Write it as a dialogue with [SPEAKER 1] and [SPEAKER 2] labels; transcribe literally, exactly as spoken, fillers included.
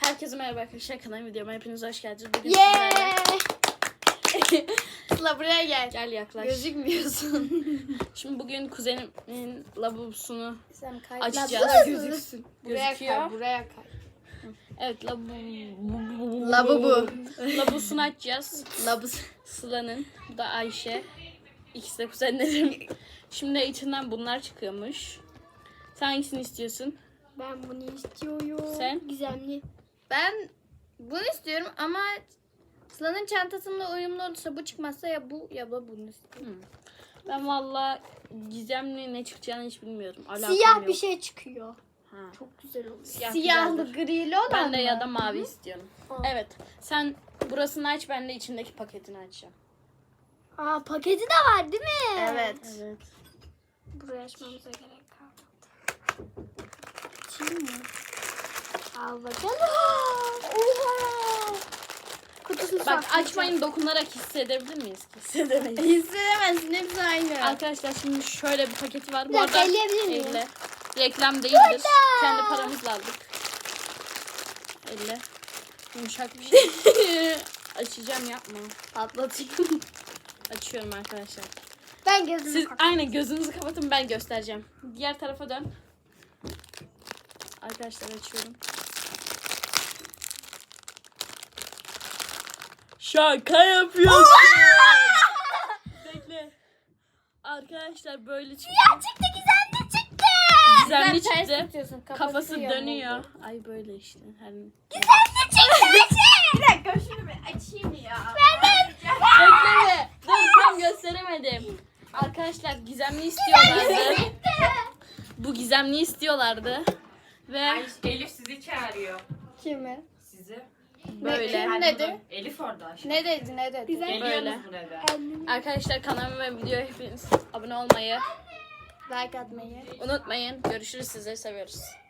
[SPEAKER 1] Herkese merhaba arkadaşlar, kanalıma videoma hepiniz hoş geldiniz. Bugün
[SPEAKER 2] Yeah!
[SPEAKER 1] sizlerle
[SPEAKER 2] Sıla buraya gel.
[SPEAKER 1] gel yaklaş.
[SPEAKER 2] Gözükmüyorsun.
[SPEAKER 1] Şimdi bugün kuzenimin lavabosunu
[SPEAKER 2] Sen kay.
[SPEAKER 1] açacağız.
[SPEAKER 2] Buraya
[SPEAKER 1] Gözüksün.
[SPEAKER 2] Buraya
[SPEAKER 1] Gözüküyor.
[SPEAKER 2] kay. Buraya kay.
[SPEAKER 1] Evet, labu
[SPEAKER 2] Lavabo.
[SPEAKER 1] Labosunu açacağız.
[SPEAKER 2] Labus.
[SPEAKER 1] Sıla'nın, bu da Ayşe. İkisi de kuzenlerim. Şimdi içinden bunlar çıkıyormuş. Sen hangisini istiyorsun?
[SPEAKER 2] Ben bunu istiyorum.
[SPEAKER 1] Sen?
[SPEAKER 2] Gizemli. Ben bunu istiyorum ama Sıla'nın çantasında uyumlu olursa bu çıkmazsa ya bu ya da bunu istiyorum.
[SPEAKER 1] Hmm. Ben valla gizemli ne çıkacağını hiç bilmiyorum. Alakam
[SPEAKER 3] Siyah
[SPEAKER 1] yok.
[SPEAKER 3] bir şey çıkıyor.
[SPEAKER 1] Ha.
[SPEAKER 3] Çok güzel oluyor.
[SPEAKER 1] Siyah
[SPEAKER 2] Siyahlı
[SPEAKER 1] güzeldir.
[SPEAKER 2] grili olan
[SPEAKER 1] Ben de
[SPEAKER 2] mı?
[SPEAKER 1] ya da mavi istiyorum.
[SPEAKER 3] Hı.
[SPEAKER 1] Evet. Sen burasını aç, ben de içindeki paketini açacağım.
[SPEAKER 3] Aa, paketi de var değil mi?
[SPEAKER 2] Evet.
[SPEAKER 1] Evet.
[SPEAKER 3] Buraya açmamıza gerek kalmadı. Açayım mı? Al bakalım. Oha. Kutusunu
[SPEAKER 1] Bak
[SPEAKER 3] saklayacağım.
[SPEAKER 1] açmayın, dokunarak hissedebilir miyiz? Hissedemeyiz.
[SPEAKER 2] Hissedemezsin, hepsi aynı.
[SPEAKER 1] Arkadaşlar şimdi şöyle bir paketi var.
[SPEAKER 3] Bir
[SPEAKER 1] Bu
[SPEAKER 3] dakika,
[SPEAKER 1] arada
[SPEAKER 3] elleyebilir miyim?
[SPEAKER 1] elle. Reklam değildir. Kendi paramızla aldık. Elle. Yumuşak bir şey. Açacağım, yapma.
[SPEAKER 2] Patlatayım.
[SPEAKER 1] Açıyorum arkadaşlar.
[SPEAKER 3] Ben gözümü
[SPEAKER 1] Siz
[SPEAKER 3] kapatayım.
[SPEAKER 1] aynen gözünüzü kapatın, ben göstereceğim. Diğer tarafa dön. Arkadaşlar açıyorum. Şaka yapıyorsun. Bekle. Arkadaşlar böyle çıktı.
[SPEAKER 3] Çıktı, gizemli çıktı.
[SPEAKER 1] Gizemli
[SPEAKER 2] Sen ters
[SPEAKER 1] çıktı.
[SPEAKER 2] tutuyorsun,
[SPEAKER 1] Kafası
[SPEAKER 2] yamuldu.
[SPEAKER 1] dönüyor. Ay böyle işte. Her...
[SPEAKER 3] Gizemli çıktı.
[SPEAKER 2] Bir dakika şunu bir açayım ya.
[SPEAKER 1] Bekleme. Dur, tam gösteremedim. Arkadaşlar gizemli istiyorlardı. Bu gizemli istiyorlardı. Ve
[SPEAKER 4] Ay, Elif sizi çağırıyor.
[SPEAKER 2] Kimi?
[SPEAKER 4] Sizi.
[SPEAKER 1] böyle.
[SPEAKER 2] Kim dedi?
[SPEAKER 4] Elif orada aşağı.
[SPEAKER 2] Ne dedi ne dedi?
[SPEAKER 4] Geliyorsunuz
[SPEAKER 1] Böyle.
[SPEAKER 4] burada.
[SPEAKER 1] Arkadaşlar kanalıma ve videoya hepiniz abone olmayı
[SPEAKER 2] Like atmayı.
[SPEAKER 1] unutmayın. Görüşürüz, sizleri seviyoruz.